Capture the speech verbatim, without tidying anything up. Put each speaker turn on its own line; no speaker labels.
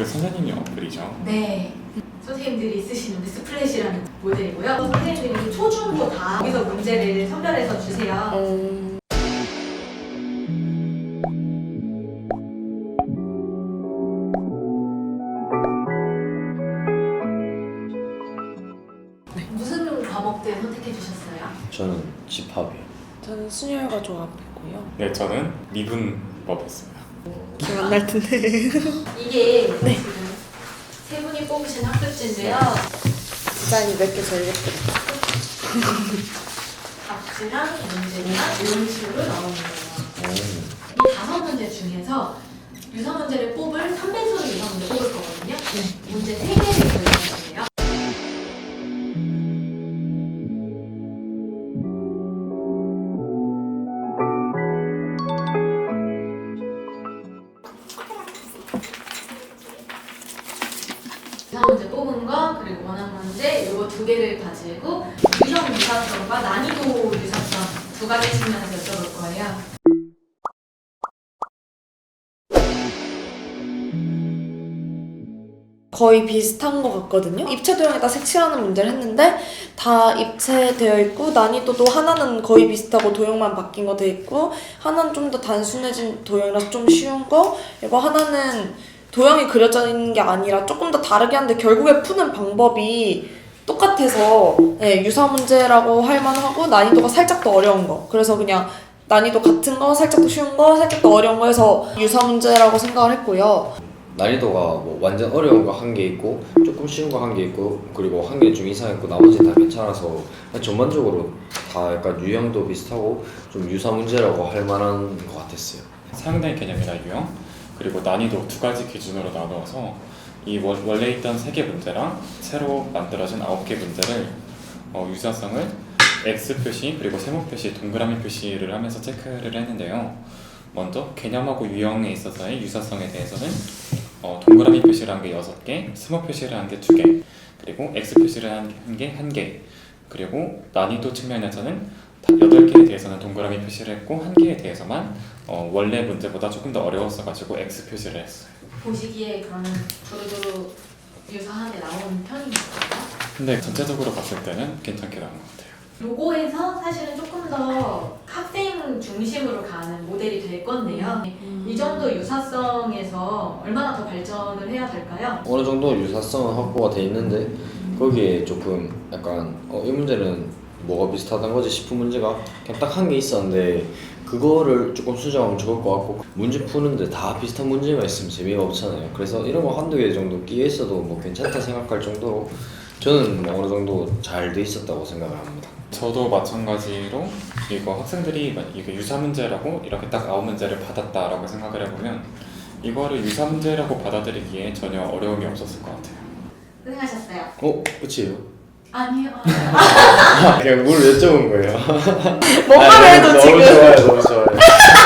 그 선생님이 어플이죠.
네. 선생님들이 쓰시는 미스플래시라는 모델이고요. 선생님들이 초중고 다 여기서 문제를 선별해서 주세요.
음...
무슨 과목들 선택해 주셨어요?
저는 집합이요.
저는 순혈과 조합했고요.
네, 저는 미분법이었습니다.
기억 안 날 텐데.
이게
네.
지금 세 분이 뽑으신 학습지인데요.
디자인이 몇 개 제일 예쁘다.
답지랑 문제랑 이런 식으로 나오는 거예요.
오.
이 다섯 문제 중에서 유사 문제를 뽑을 삼 배수로 유사 문제 뽑을 거거든요.
네.
문제 세 개를 골라주세요. 유사 문제 뽑은 거 그리고 원한 문제 이거 두 개를 가지고 유형 유사성과 난이도 유사성 두 가지 측면에서 여쭤볼 거예요.
거의 비슷한 것 같거든요. 입체 도형에다 색칠하는 문제를 했는데 다 입체되어 있고 난이도도 하나는 거의 비슷하고 도형만 바뀐 거 돼 있고 하나는 좀 더 단순해진 도형이라서 좀 쉬운 거 그리고 하나는 도형이 그려져 있는 게 아니라 조금 더 다르게 하는데 결국에 푸는 방법이 똑같아서 네, 유사 문제라고 할 만하고 난이도가 살짝 더 어려운 거 그래서 그냥 난이도 같은 거 살짝 더 쉬운 거 살짝 더 어려운 거 해서 유사 문제라고 생각을 했고요.
난이도가 뭐 완전 어려운 거 한 개 있고 조금 쉬운 거 한 개 있고 그리고 한 개 좀 이상 있고 나머지 다 괜찮아서 전반적으로 다 약간 유형도 비슷하고 좀 유사 문제라고 할 만한 것 같았어요.
사용된 개념이나 유형 그리고 난이도 두 가지 기준으로 나누어서 이 원, 원래 있던 세 개 문제랑 새로 만들어진 아홉 개 문제를 어, 유사성을 X 표시 그리고 세모 표시, 동그라미 표시를 하면서 체크를 했는데요. 먼저 개념하고 유형에 있어서의 유사성에 대해서는 어, 동그라미 표시를 한 게 여섯 개, 세모 표시를 한 게 두 개, 그리고 X 표시를 한 게 한 개, 그리고 난이도 측면에서는 여덟 개에 대해서는 동그라미 표시를 했고 한 개에 대해서만 어, 원래 문제보다 조금 더 어려웠어가지고 X 표시를 했어요.
보시기에 그러면 두루두루 유사하게 나오는 편인가요?
근데 전체적으로 봤을 때는 괜찮게 나온 것 같아요.
요거에서 사실은 조금 더 학생 중심으로 가는 모델이 될 건데요.
음.
이 정도 유사성에서 얼마나 더 발전을 해야 될까요?
어느 정도 유사성은 확보가 돼 있는데 거기에 조금 약간 어, 이 문제는 뭐가 비슷하단 거지 싶은 문제가 그냥 딱 한 개 있었는데 그거를 조금 수정하면 좋을 것 같고 문제 푸는데 다 비슷한 문제만 있으면 재미가 없잖아요. 그래서 이런 거 한두 개 정도 끼어 있어도 뭐 괜찮다 생각할 정도로 저는 뭐 어느 정도 잘 돼 있었다고 생각을 합니다.
저도 마찬가지로 이거 학생들이 이게 유사 문제라고 이렇게 딱 아홉 문제를 받았다라고 생각을 해보면 이거를 유사 문제라고 받아들이기에 전혀 어려움이 없었을 것 같아요.
고생하셨어요.
어? 끝이에요?
아니요.
아, 그냥 뭘 여쭤본 거예요.
뭔가를 해도
너무
지금
좋아요, 너무 좋아요.